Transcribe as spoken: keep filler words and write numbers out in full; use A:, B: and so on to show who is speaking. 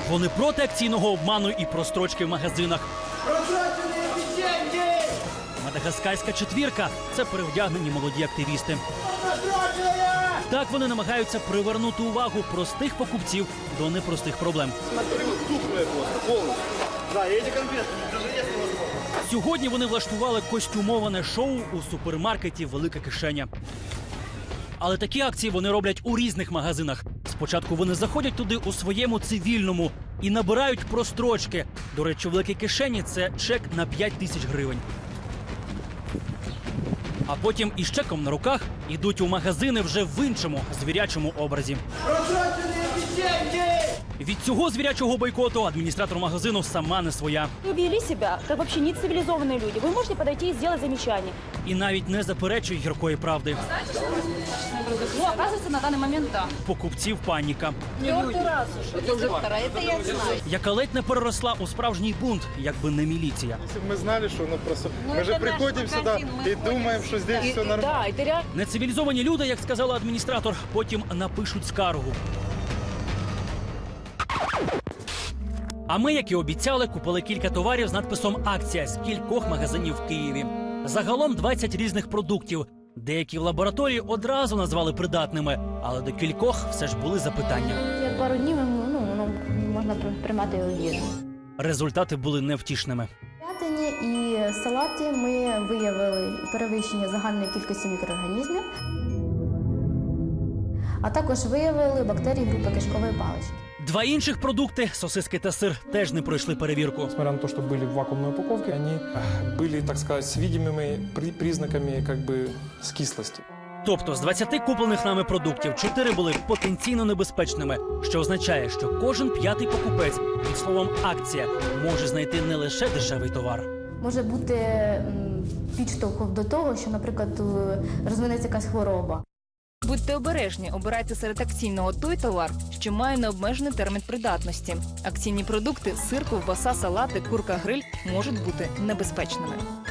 A: Вони проти акційного обману і прострочки в магазинах. Мадагаскарська четвірка – це перевдягнені молоді активісти. Так вони намагаються привернути увагу простих покупців до непростих проблем. Сьогодні вони влаштували костюмоване шоу у супермаркеті «Велика кишеня». Але такі акції вони роблять у різних магазинах. Спочатку вони заходять туди у своєму цивільному і набирають прострочки. До речі, в «Великій кишені» це чек на п'ять тисяч гривень. А потім із чеком на руках йдуть у магазини вже в іншому звірячому образі. Від цього звірячого бойкоту адміністратор магазину сама не своя.
B: Вы вели себя, как вообще не цивилизованные люди. Вы можете подойти и сделать замечание.
A: І навіть не заперечує гіркої правди.
B: Ну, оказывается, на данный момент да.
A: Покупців паніка,
B: Четвертый раз уже. Это уже вторая, это я знаю.
A: яка ледь не переросла у справжній бунт, якби не міліція.
C: Если бы мы знали, что оно просто...
B: Ну,
C: мы же
B: это наш
C: приходим
B: магазин,
C: сюда
B: мы
C: и
B: ходим
C: думаем, что здесь
B: И-
C: все нормально.
B: Да, это реально.
A: Нецивілізовані люди, як сказала адміністратор, потім напишуть скаргу. А ми, як і обіцяли, купили кілька товарів з надписом «Акція» з кількох магазинів в Києві. Загалом двадцять різних продуктів. Деякі в лабораторії одразу назвали придатними, але до кількох все ж були запитання.
D: Як пару днів ну, ну, можна приймати його в їжу.
A: Результати були невтішними.
D: В м'ятині і салаті ми виявили перевищення загальної кількості мікроорганізмів, а також виявили бактерії групи кишкової палички.
A: Два інших продукти – сосиски та сир – теж не пройшли перевірку.
E: Несмотря на то, что были в вакуумной упаковке, они были, так сказать, с видимыми при- признаками как бы скислости.
A: Тобто з двадцяти куплених нами продуктів чотири були потенційно небезпечними, що означає, що кожен п'ятий покупець під словом «акція» може знайти не лише дешевий товар.
D: Може бути м, підштовхом до того, що, наприклад, е, розвинеться якась хвороба.
F: Будьте обережні, обирайте серед акційного той товар, що має необмежений термін придатності. Акційні продукти – сир, ковбаса, салати, курка-гриль – можуть бути небезпечними.